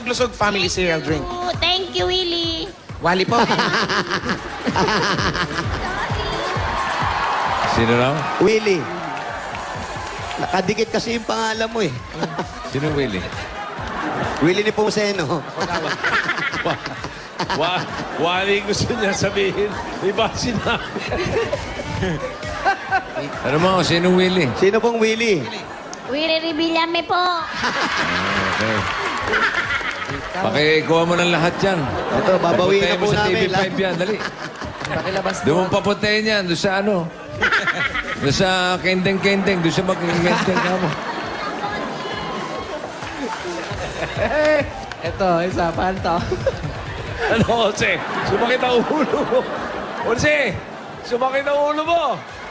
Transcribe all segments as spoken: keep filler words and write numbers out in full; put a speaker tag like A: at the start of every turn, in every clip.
A: Paglusog Family Cereal Drink.
B: Oh, thank you, Willie.
A: Wali po.
C: Sino raw?
D: Willie. Nakadikit kasi yung pangalan mo eh.
C: Sino Willie?
D: Willie ni Puseno.
E: Wa wali gusto niya sabihin. Iba sinabi.
C: Ano mo, sino Willie?
D: Sino pong Willie?
B: Willie Revillame po.
C: Okay. Pakikuha mo ng lahat yan.
D: Ito, babawiin na
C: Papuntahin
D: po
C: mo sa T V
D: namin.
C: five yan, dali.
A: Pakilabas
C: Doon mo papuntahin yan, doon sa ano. Doon sa kendeng-kendeng, doon sa mag-kendeng ka mo.
A: Ito, isa, panto.
E: Ano, Jose? Sumakit ang ulo mo. Jose! Sumakit ang ulo mo.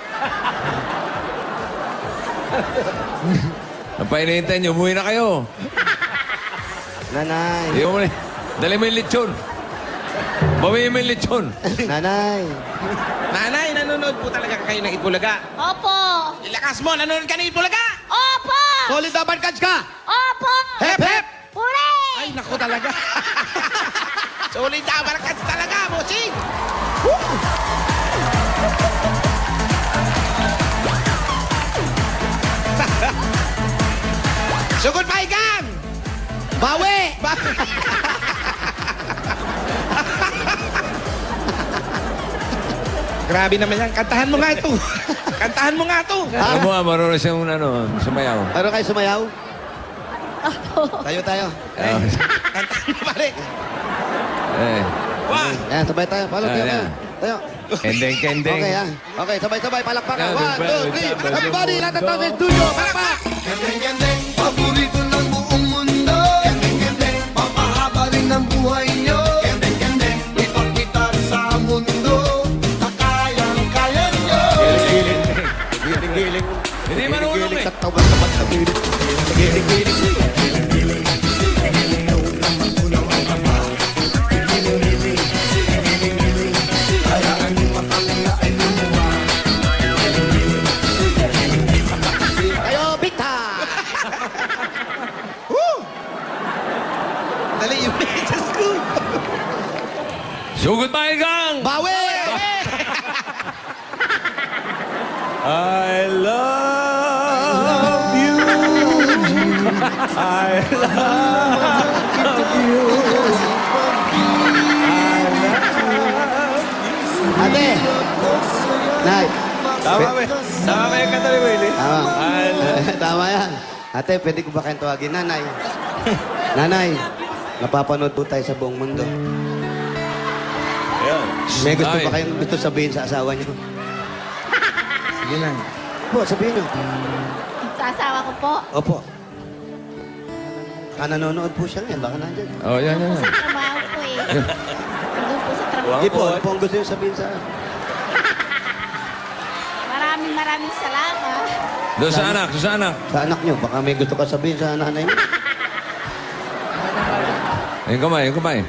C: Ang painitan nyo, umuwi na kayo.
D: Nanay.
C: Di mo na. Dali mo yung lechon. Bawiin mo yung lechon.
D: Nanay.
A: Nanay, nanonood po talaga kayo ng Itbulaga.
B: Opo.
A: Ilakas mo, nanonood ka ng Itbulaga.
B: Opo.
D: Solid na barkads ka!
B: Opo.
A: Hep, hep!
B: Hooray!
A: Ay, naku talaga. Solid na barkads talaga, bossing. Sugod pa ikan!
D: Bawi!
A: Grabe naman yan. Kantahan mo nga ito. Kantahan mo nga ito.
C: Ano mo, ah, marunong siyang ano, sumayaw.
D: Ano kayo sumayaw? Tayo tayo.
C: Ah,
A: Kantahan mo pare.
C: eh.
A: One.
D: Yan, sabay tayo. Palo, tayo,
C: Ayan.
D: tayo. Tayo.
C: Kendeng, kendeng.
D: Okay, yan. Okay, sabay-sabay. Palakpakan.
C: Yan,
D: One, two, three.
C: sabay,
D: Everybody,
C: sabay.
D: lahat ng tao sa studio. Palakpak!
F: Gandeng-gandeng, paborito ng buong mundo. Gandeng-gandeng, papahaba rin ng buhay nyo. Gandeng-gandeng, ipakita sa mundo na kayang-kaya nyo.
D: Giling-giling.
C: Hindi marunong
D: Giling-giling
C: eh.
D: sa tapat-tapat sa pilit. Giling-giling. Kayo, big time!
A: Dali yung Diyos ko.
C: Sugod pa igang!
D: Bawi!
E: I love you. I love you.
D: Ate! Nay!
E: Tama ba? Tama ba yung kanta ni Willie?
D: Tama.
E: I love
D: Tama yan. Ate, pwede ko ba kayong tawagin? Nanay. Nanay, napapanood po tayo sa buong mundo.
E: Ayan.
D: May gusto
C: Nay.
D: ba kayong gusto sabihin sa asawa niyo?
A: Sige na.
D: Po, sabihin niyo.
B: Sa asawa ko po.
D: Opo. Ah, nanonood po siya ngayon. Baka nandyan.
C: Oh, yan, yan.
B: Sa trabaho ko eh. Nandun po sa trabaho.
D: Hindi po. Ano po ang gusto niyo sabihin sa...
B: Maraming maraming salamat.
C: Doon sa anak, doon sa anak.
D: Sa anak niyo. Baka may gusto ka sabihin sa nanay mo.
C: Yung kamay, yung kamay.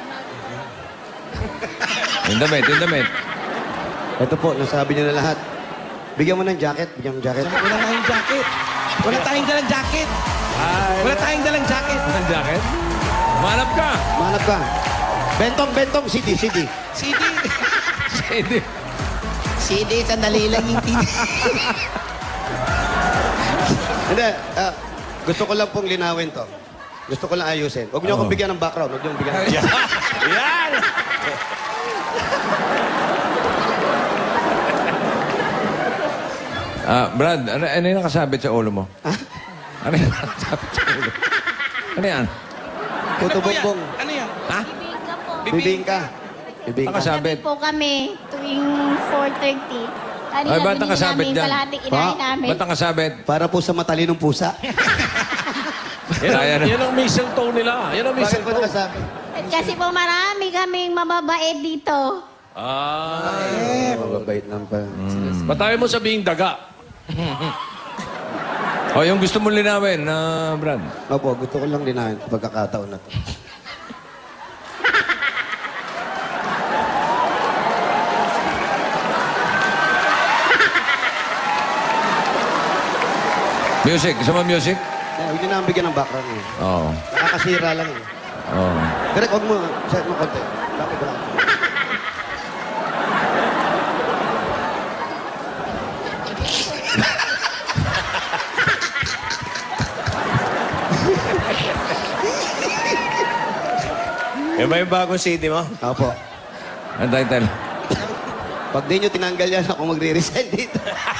C: Yung damit, yung damit.
D: Ito po, nasabi niyo na lahat. Bigyan mo ng jacket. Bigyan mo ng jacket.
A: Wala tayong jacket. Wala tayong dalang jacket. Wala tayong dalang jacket.
C: Ang jacket? Manap ka!
D: Mahanap ka. Bentong, bentong. C D, C D.
A: C D.
C: Hindi.
A: C D, sandali lang yung T V.
D: Hindi. ah, gusto ko lang pong linawin to. Gusto ko lang ayusin. Huwag niyo
C: Oo.
D: akong bigyan ng background. Huwag niyo akong bigyan ng...
E: Yan!
C: Ah, Brad, ano, ano yung nakasabit sa ulo mo? Ha? Ano yung nakasabit sa ulo? Ano yan?
D: Puto
A: Ano po yan?
D: bongbong.
A: Ano yan?
C: Ha?
B: Bibingka po.
D: Bibingka. Bibingka.
C: Nakasabit.
B: Gabi po kami tuwing four thirty. Kanina
C: Ay, ba't
B: binili
C: nakasabit
B: namin
C: dyan?
B: kalahating inahin namin.
C: Ba't nakasabit?
D: Para po sa matalinong pusa.
E: Yan
C: Kaya na.
E: ang, yan ang mistletoe nila. Yan ang
D: Bakit po
E: mistletoe.
D: nakasabi?
B: At kasi po marami kaming mababait dito.
E: Ah.
D: Eh, mababait lang pa.
E: Ba't tayo mo sabihin daga?
C: O, yung gusto mong linawin, na Brad.
D: Opo, gusto ko lang linawin sa pagkakataon na to.
C: Music. Gusto mo music?
D: Eh, huwag niyo na ang bigyan ng background eh.
C: Oo.
D: Nakakasira lang eh.
C: Oh.
D: Direk, huwag mo. Set mo konti. Lapit ko lang.
E: Yan ba yung bagong city mo?
D: Opo.
C: Ang title.
D: Pag di nyo tinanggal yan, ako magre-resign dito.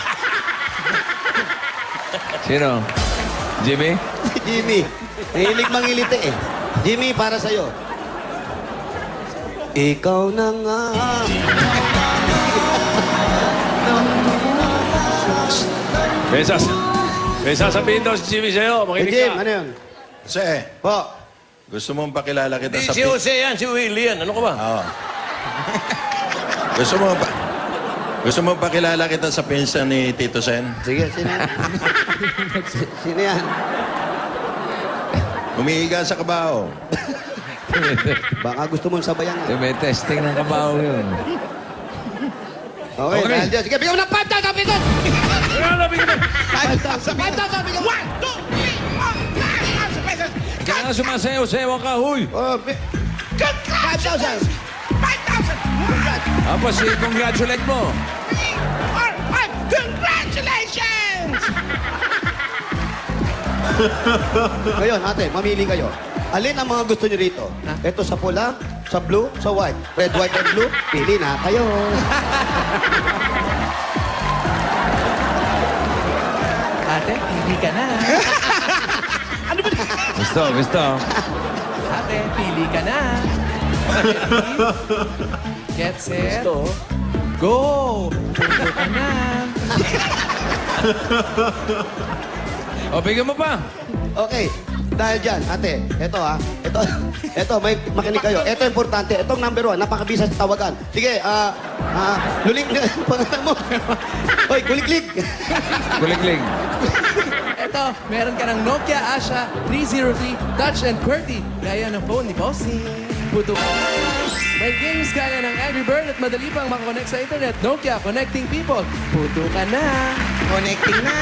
C: Sino? Jimmy?
D: Jimmy. Nahilig mangiliti eh. Jimmy, para sa'yo. Ikaw na nga.
E: May, sas may sasabihin daw si Jimmy sa'yo.
D: Eh,
E: Makinig
D: Jim,
E: ka.
D: ano yun?
G: Jose,
D: Po.
G: gusto mong pakilala kita
E: Hindi
G: sa...
E: si Jose yan, si Willie yan. Ano ka ba?
G: Oo. gusto mo pa... Gusto mo pakilala kita sa pinsan ni Tito Sen?
D: Sige, sino yan? Sino yan?
G: Umiiga sa kabaho.
D: Baka gusto mong sabayan nga.
C: May testing ng kabaho yun.
D: Okay,
C: Okay.
D: dahil dyan. Sige, bigyan mo ng five thousand, bigyan!
E: Kaya na, bigyan mo.
D: five thousand, five thousand, bigyan!
A: One, two, three, four, five thousand pesos.
C: Kaya nga sumasayaw-sayaw ka, huy!
D: Oh, bi- five thousand!
A: five thousand.
C: Tapos i-congratulate mo.
A: Three, four, five. Congratulations!
D: Ngayon, ate, mamili kayo. Alin ang mga gusto nyo rito? Ito sa pula, sa blue, sa white. Red, white, and blue. Pili na kayo.
A: Ate, hindi ka na.
C: Gusto, gusto.
A: Ate, pili ka na. Get set.
E: Gusto.
A: Go! Pili ka na.
C: O, bigyan mo pa.
D: Okay. Dahil dyan, ate, ito ha. Ito, ito, may makinig kayo. Ito importante. Itong number one, napakabisa sa tawagan. Sige, ah, ah, luling, pangalan mo. Hoy, kuliklik.
C: Kulikling.
A: Ito, meron ka ng Nokia Asha three oh three Touch and QWERTY. Gaya ng phone ni Bossy. Puto ka na. May games gaya ng Angry Bird at madali pang makakonect sa internet. Nokia, connecting people. Puto ka na. Connecting na.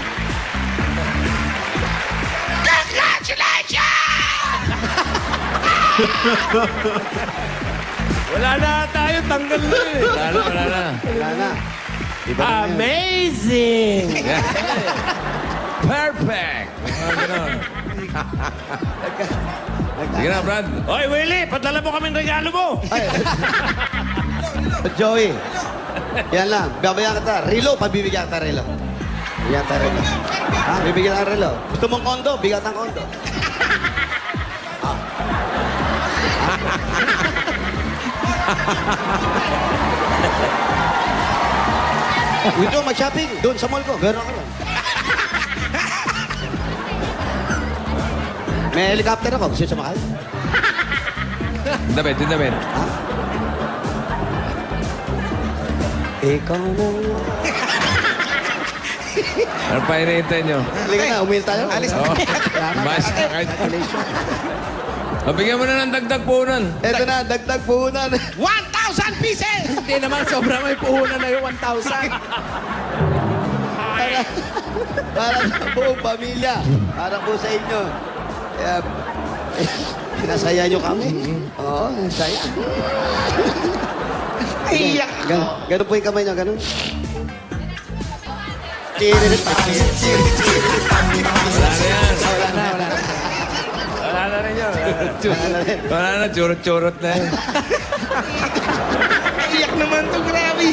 E: Wala na tayo, tanggal na eh.
C: Wala na, wala na.
D: Wala na. Iba na yan.
E: Amazing!
C: Perfect! Mga ganon. Sige na, Brad.
E: Hoy, Willie, padala mo kaming regalo mo.
D: Ay. Joey. Yan lang. Babayan kita. Relo, pabibigyan kita relo. Bigyan kita relo. Ha? Bibigyan kita relo. Gusto mong kondo? Bigyan kita ng kondo. Uy, doon, mag-shopping. Doon sa mall ko. Gano'n ako lang. May helicopter ako. Gusto sumakay?
C: Damit, yung damit.
D: Ha? Ikaw na nga.
C: Ano pa hinihintay nyo?
D: Halika na, umil tayo. Alis
C: Oo. Mas, kahit... O, bigyan mo na ng dagdag punan.
D: Ito na, dagdag puhunan.
A: one thousand pieces! Hindi naman, sobra may puhunan na yung one thousand.
D: Para, para sa buong pamilya. Para po sa inyo. Kaya, eh, pinasaya nyo kami. Oo, saya. Iyak ako. Ganun po yung kamay nyo, ganun. Chiririt pa.
C: Wala na yan.
D: Wala na, wala na.
E: Wala na rin yun.
D: Wala na rin.
C: Wala na, churot-churot na yan.
A: Iyak naman to, grabe.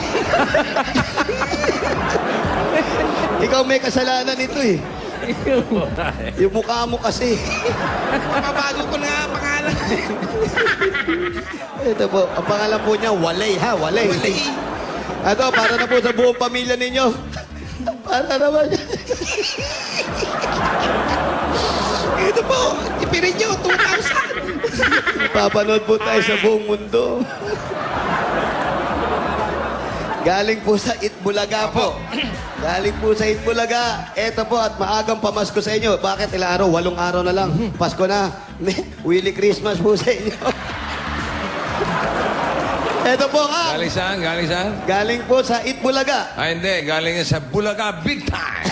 D: Ikaw may kasalanan ito eh. Yung mukha mo kasi.
A: Mababago ko na nga ang pangalan.
D: Ito po, ang pangalan po niya, Walay ha, Walay.
A: Walay.
D: Ito, para na po sa buong pamilya ninyo. Para naman.
A: Ito po, ipirin nyo, two thousand.
D: Papanood po tayo sa buong mundo. Galing po sa Itbulaga po. Galing po sa Itbulaga. Ito po at maagang pamasko sa inyo. Bakit ilang araw? Walong araw na lang. Pasko na. Willy Christmas po sa inyo. Ito po ha.
C: Galing saan? Galing saan?
D: Galing po sa Itbulaga.
C: Ah, hindi. Galing yan sa Bulaga Big Time.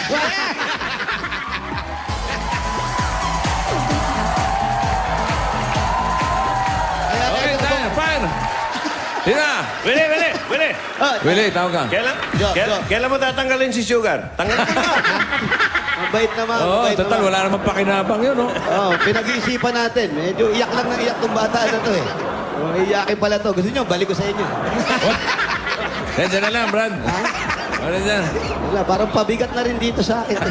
E: fire!
C: Sino na?
E: Willie, Willie, Willie!
D: Ah,
C: Willie, tawag ka.
E: Kailan,
D: Jo,
E: kailan,
D: Jo.
E: kailan mo tatanggalin si Sugar? Tanggalin mo na!
D: mabait naman,
C: Oo,
D: mabait
C: total,
D: naman.
C: wala namang pakinabang yun, oh.
D: Oh, pinag-iisipan natin. Medyo iyak lang ng iyak tong bata na to eh. Oh, iyakin pala to. Gusto nyo, balik ko sa inyo.
C: Diyan na lang, Brad. Ano dyan?
D: Wala, parang pabigat na rin dito sa akin.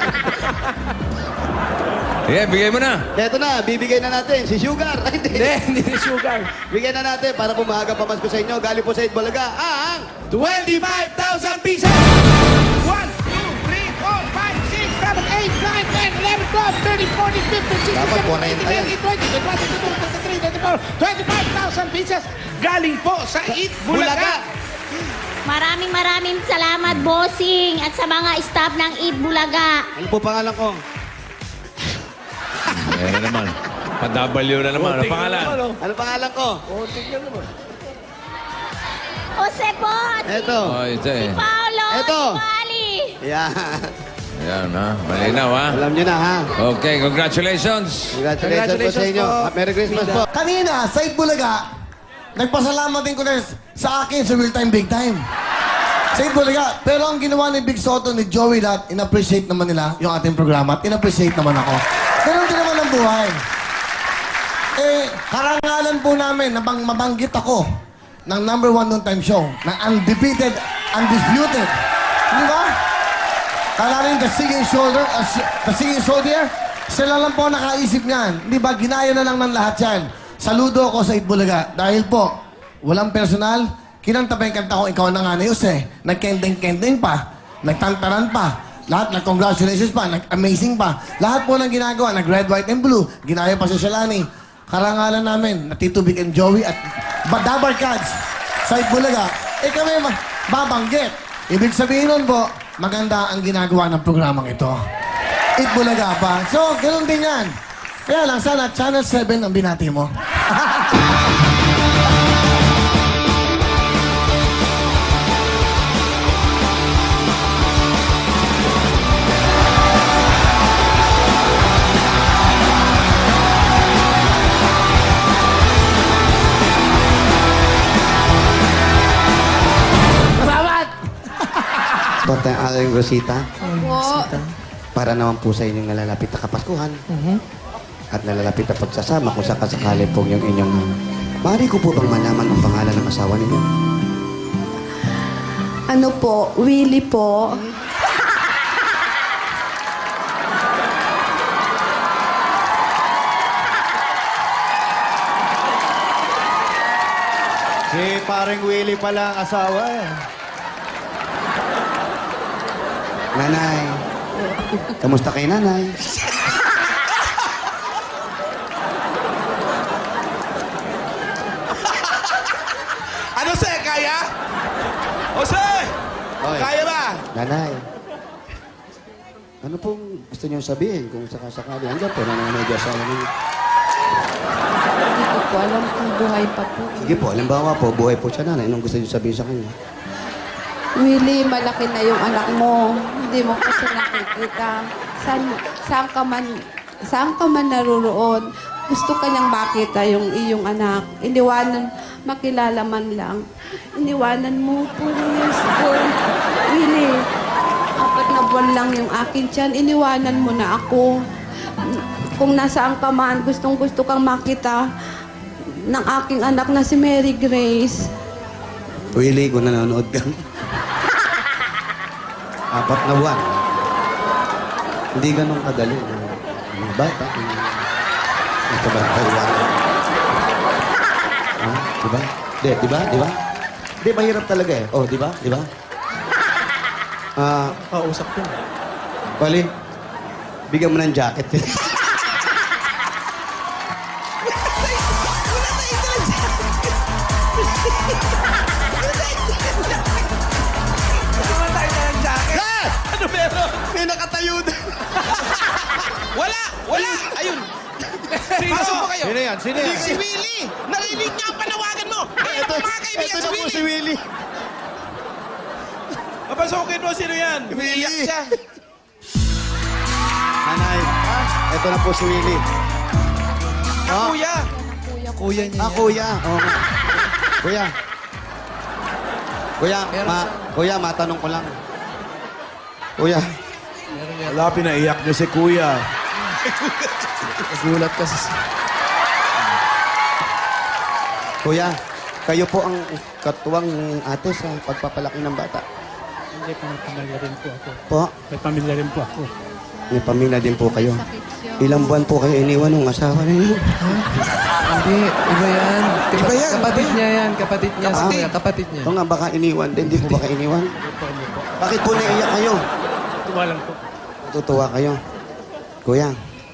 C: Sige, bigay mo na.
D: Eto na, bibigay na natin si Sugar. Hindi,
A: Hindi, hindi si Sugar.
D: Bigyan na natin para pumahaga pamasko sa inyo. Galing po sa Itbulaga, ang
A: twenty-five thousand pieces!
H: one, two, three, four, five, six, seven, eight, nine, ten, eleven, twelve, thirteen, fourteen, fifteen, sixteen,
D: Dapat
H: seventeen,
D: forty yan.
H: eighteen, nineteen, twenty, twenty-one, twenty-two, twenty-three, twenty-four, twenty-five thousand pieces galing po sa Eat Bulaga.
B: Maraming maraming salamat, bossing, at sa mga staff ng Eat Bulaga.
D: Ano po pangalan ko?
C: Ayan na naman. Pa-W na naman. Ano
E: Tingnan
C: pangalan?
E: naman, oh.
D: Ano pangalan ko?
E: Oh, tingnan naman.
B: Jose po, at
D: Eto.
C: Oh, ito eh.
B: Paolo,
D: Eto.
B: si Wally.
D: Yan.
C: Ayan, ha? Malinaw, ha?
D: Alam nyo na, ha?
C: Okay, congratulations.
D: Congratulations, po sa inyo.
A: po.
D: Merry Christmas po.
I: Kanina, sa Itbulaga, nagpasalamat din ko na sa akin sa Real Time Big Time. Sa Itbulaga. Pero ang ginawa ni Big Soto, ni Joey lahat, in-appreciate naman nila yung ating programa at in-appreciate naman ako. Ganun din naman ang buhay. Eh, karangalan po namin na bang mabanggit ako ng number one noon time show, na undefeated, undisputed. Di ba? Kalarin the singing shoulder, uh, si- the singing soldier, sila lang po nakaisip niyan. Di ba? Ginaya na lang ng lahat yan. Saludo ako sa Itbulaga. Dahil po, walang personal, kinanta pa yung kanta ko, ikaw na nga na yus eh. Nagkending-kending pa, nagtantaran pa, lahat nag-congratulations pa, nag-amazing pa. Lahat po ng ginagawa, nag-red, white, and blue. Ginaya pa si Shalani. Karangalan namin, na Tito Vic and Joey at Badabar Cats sa Itbulaga. Eh kami ma- babanggit. Ibig sabihin nun po, maganda ang ginagawa ng programang ito. Itbulaga pa. So, ganoon din yan. Kaya lang, sana Channel seven ang binati mo.
A: Salamat!
D: Ito ang aking Rosita.
B: Po.
D: Para naman po sa inyong nalalapit na Kapaskuhan. At nalalapit na pagsasama kung sakasakali po yung inyong... Maaari ko po bang malaman ang pangalan ng asawa ninyo?
J: Ano po? Willie po.
K: Si parang Willie pala ang asawa eh.
D: Nanay. Kamusta kay nanay?
H: Ano, Jose? Kaya? Jose!
D: Oy.
H: Kaya ba?
D: Nanay. Ano pong gusto niyong sabihin kung sakasakali? Hanggang po, nanay asawa ninyo.
J: Hindi ko po alam kung buhay pa po.
D: Sige po, halimbawa po, buhay po siya nanay. Anong gusto niyong sabihin sa kanya?
J: Willie, malaki na yung anak mo. Hindi mo kasi nakikita. Saan, saan ka man, saan ka man naruroon, gusto ka niyang makita yung iyong anak. Iniwanan, makilala man lang. Iniwanan mo po years ko. Willie, apat na buwan lang yung akin tiyan. Iniwanan mo na ako. Kung nasaan ka man, gustong gusto kang makita ng aking anak na si Mary Grace.
D: Willie, kung nanonood ka. Apat na buwan. Hindi ganun kadali. Mga bata. Ito ba? Taiwan. Ha? Diba? Di, diba? Diba? Di, mahirap talaga eh. Oh, diba? Diba? Ah,
A: Kausap ko.
D: Pali, bigyan mo ng jacket.
H: Ano meron? May nakatayo doon. Wala! Wala! Ayun! Sino? Pasok po kayo.
K: Sino yan? Sino yan?
H: Si Willie! Narinig niya ang panawagan mo! Ito, mga kaibigan si Willie!
K: Willie.
H: Papasokin mo, sino yan? Umiiyak siya.
D: Nanay, ito na po si Willie.
H: Ah, kuya!
J: Kuya
A: kuya niya.
D: Ah, kuya. Oo nga. Kuya. Kuya,
A: Meron
D: ma,
A: siya.
D: kuya, matanong ko lang. Kuya,
A: Meron yan.
K: Wala, pinaiyak niyo si Kuya.
A: Nagulat kasi.
D: kuya, kayo po ang katuwang ni ate sa pagpapalaki ng bata.
L: Hindi, may pamilya rin po ako.
D: Po,
L: May pamilya rin po ako.
D: may pamilya din po kayo.
J: Sakit siya.
D: Ilang buwan po kayo iniwan ng asawa ninyo?
A: Hindi, iba yan. Iba yan. Kapatid niya yan. Kapatid niya.
D: Ah.
A: Kuya, kapatid niya.
D: Ito nga, baka iniwan din. Di po baka iniwan? Bakit po naiyak kayo?
L: Tuwa lang po.
D: Tutuwa kayo. Kuya.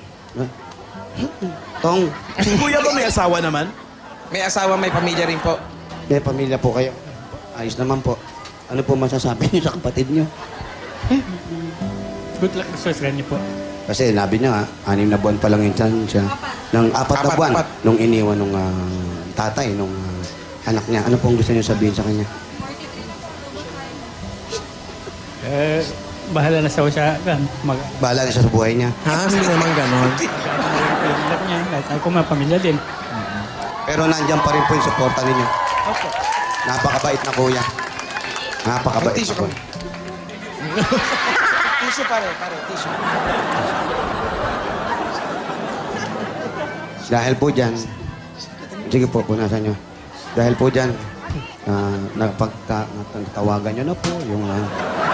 D: Tong,
H: Si Kuya ba may asawa naman?
M: May asawa, may pamilya rin po.
D: may pamilya po kayo. Ayos naman po. Ano po masasabi niyo sa kapatid niyo?
L: Good luck sa sa niyo po.
D: Kasi nabi niya, ah, anim na buwan pa lang yung tiyan siya. Nang apat na
M: Apat,
D: buwan,
M: apat.
D: nung iniwan nung ah, tatay, nung ah, anak niya. Ano pong gusto niyo sabihin sa kanya?
L: Eh, bahala na sa siya. Kan, mag
D: Bahala na siya sa buhay niya.
A: Ha? Hindi naman ganon.
L: yung anak niya. Kahit ako may pamilya din.
D: Pero nandiyan pa rin po yung suporta ninyo.
L: Opo.
D: Napakabait na kuya. Napakabait
M: Tissue
D: na kuya.
M: Tissue pare, pare, tissue.
D: Dahil po dyan, sige po, punasan nyo. Dahil po dyan, uh, napagka, natawagan nyo na po yung... ah,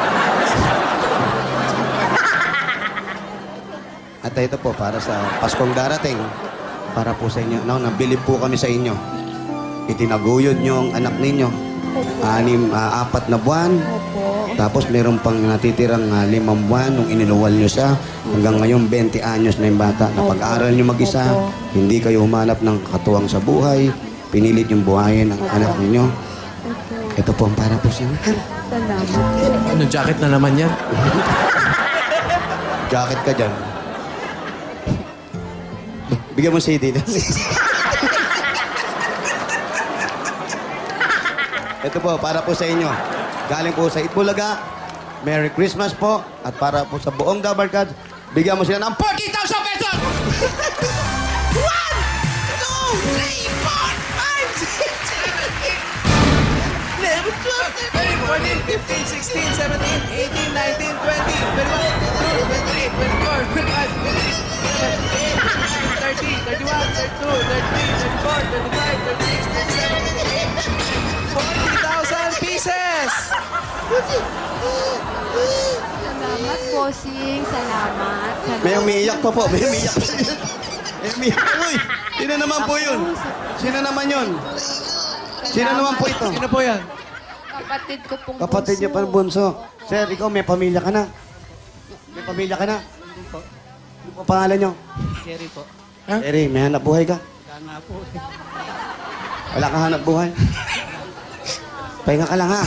D: at ito po, para sa Paskong darating, para po sa inyo, no, nabilib po kami sa inyo. Itinaguyod nyo ang anak ninyo. Anim, ah, apat na buwan.
J: Opo.
D: Tapos meron pang natitirang uh, limang buwan nung iniluwal nyo siya. Hanggang ngayon, twenty anyos na yung bata. Napag-aral nyo mag-isa.
J: Opo.
D: Hindi kayo humanap ng katuwang sa buhay. Pinilit yung buhayin ng anak ninyo.
J: Opo.
D: Ito po ang para po sa inyo.
J: Salamat.
A: Ano, jacket na naman yan?
D: Jacket ka dyan. Bigyan mo C D. Ito po, para po sa inyo. Galing po sa Itbulaga. Merry Christmas po. At para po sa buong Dabarkad, bigyan mo sila ng forty thousand pesos!
H: One, two, three, four, five, six, seven, eight, eleven, twelve, thirteen,
A: fourteen, fifteen, sixteen, seventeen, eighteen, nineteen, twenty, twenty-one, twenty-two, twenty-three, twenty-four, twenty-five, twenty-six, twenty-eight, thirty, thirty-one, thirty-two, thirty-three, thirty-four, thirty-five, thirty-six, thirty-seven, thirty-eight, forty thousand pieces!
J: Salamat, bossing. Salamat. Salamat.
D: May umiiyak pa po. May umiiyak pa. May umiiyak. Uy! Sino naman po yun? Sino naman yun? Sino naman po ito?
A: Sino po yan?
J: Kapatid ko pong
D: Kapatid niya pa ng bunso. Sir, ikaw may pamilya ka na. May pamilya ka na. Ano po pangalan niyo?
L: Jerry po.
D: Jerry, may hanap buhay ka?
L: Kaya nga po.
D: Wala ka hanap buhay? Pahinga ka lang ha.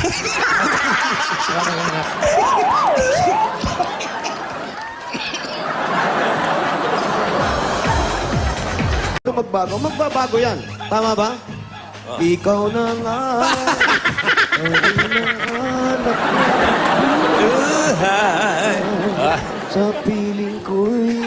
D: Ito magbago? Magbabago yan. Tama ba? Ikaw na nga. ang hinahanap ko. Sa piling ko'y...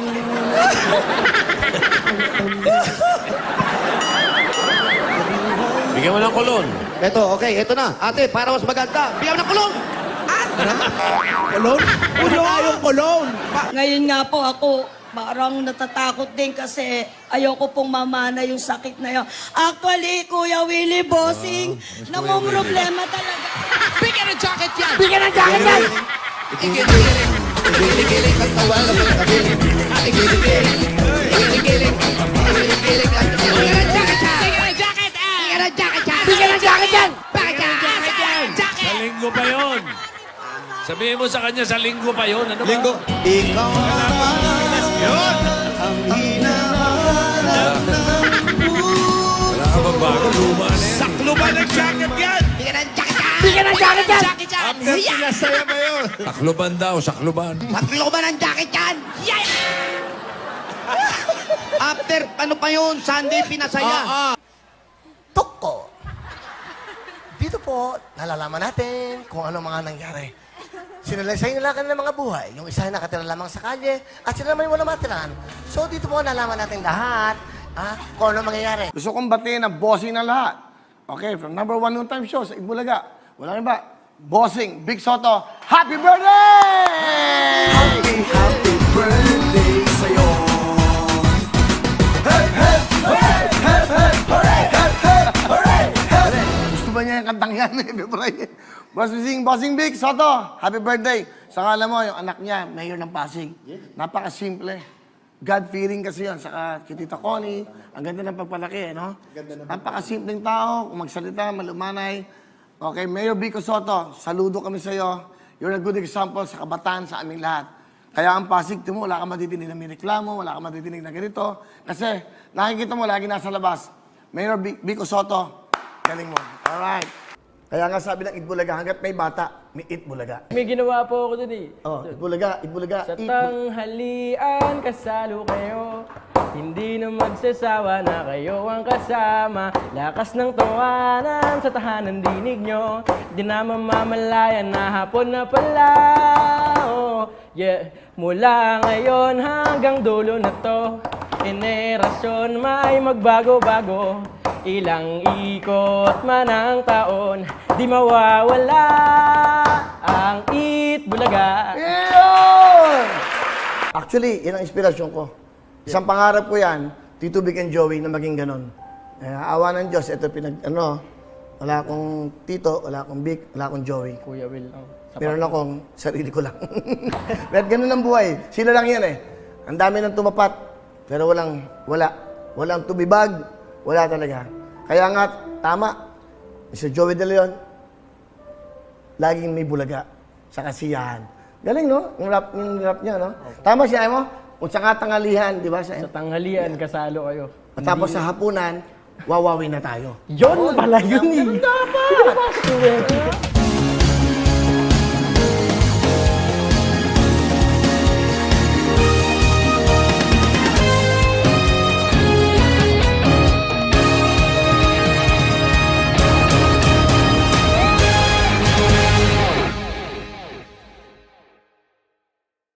E: Bigyan mo ng kulon.
D: Ito, okay, ito na. Ate, para mas maganda, bigyan mo ng kulong!
A: Kulon? Ano nga yung kulon?
N: Ngayon nga po ako, parang natatakot din kasi ayoko pong mamana yung sakit na yun. Actually, Kuya Willie Bossing, namong problema talaga.
H: Bigyan ng jacket yan!
A: Bigyan ng jacket yan!
H: Igiling-giling. Igiling-giling ang tawa ng mga kabiling. Ah, igiling-giling. Igiling-giling. Igiling-giling ang tawa. Bigyan ng jacket yan! Bigyan ng jacket yan! Bigyan ng jacket yan! Bigyan ng jacket yan! Bakit yan? Jacket!
E: Sa linggo pa yon. Sabihin mo sa kanya, sa linggo pa yon. Ano ba?
D: Linggo. Ikaw na
E: Yun!
D: ang hinahanap ng
E: Wala ka bang bago? Luma na yan. Sakluban ng jacket yan!
H: Bigyan ng jacket yan!
A: Bigyan ng jacket yan!
H: Jacket yan!
E: After pinasaya ba yun? Sakluban daw, sakluban.
H: Tatlo ba ng jacket yan? Yeah!
D: After, ano pa yun? Sunday, pinasaya.
I: Toko. Dito po, nalalaman natin kung ano mga nangyari. Sinalaysay nila kanila mga buhay. Yung isa ay nakatira lamang sa kalye at sila naman yung walang matiran. So dito po nalaman natin lahat
H: Ha? Kung ano mangyayari?
I: Gusto kong batiin ang bossing ng lahat. Okay, from number one noon time show sa Itbulaga. Wala rin ba? Bossing, Big Soto, happy birthday!
F: Happy, happy birthday sa'yo. Hey, hey, hooray! Hey, hey, hooray! Hey, hey, hooray! Hey!
I: Gusto ba niya yung kantang yan eh, February? Bossing, Bossing Big Soto, happy birthday! Sa ngala mo, yung anak niya, mayor ng Pasig. Napaka-simple. God-fearing kasi yun. Saka kay Tita Connie, ang ganda ng pagpalaki, eh, no? Napaka-simpleng tao, kung magsalita, malumanay. Okay, Mayor Vico Soto, saludo kami sa'yo. You're a good example sa kabataan sa aming lahat. Kaya ang Pasig, timo, wala ka matitinig na may reklamo, wala ka matitinig na ganito. Kasi nakikita mo, lagi nasa labas. Mayor Vico Soto, galing mo. Alright. Kaya nga sabi ng Itbulaga, hanggat may bata, may Itbulaga.
L: May ginawa po ako dun eh.
I: Oh, Itbulaga, Itbulaga,
L: Sa
I: Itbulaga.
L: tanghalian, kasalo kayo. Hindi na magsasawa na kayo ang kasama. Lakas ng tawanan sa tahanan dinig nyo. Di na mamamalayan na hapon na pala. Oh, yeah. Mula ngayon hanggang dulo na to, generasyon may magbago-bago. Ilang ikot man ang taon, di mawawala ang Itbulaga.
I: Yun! Actually, yan ang inspirasyon ko. Isang pangarap ko yan, Tito Vic and Joey, na maging ganon. Eh, awa ng Diyos, ito pinag, ano, wala akong Tito, wala akong Vic, wala akong Joey.
L: Kuya Will, oh,
I: Meron akong sarili ko lang. Pero ganun ang buhay. Sila lang yan eh. Ang dami ng tumapat, pero walang, wala. Walang tumibag, wala talaga. Kaya nga, tama, Mister Joey De Leon, laging may bulaga sa kasiyahan. Galing, no? Yung rap, yung rap niya, no? Tama siya, mo? Kung sa katanghalihan, di ba? Sa,
L: Sa tanghalian, kasalo kayo.
I: At tapos sa hapunan, wawawi na tayo.
L: Yun pala yun eh.
I: Dapat!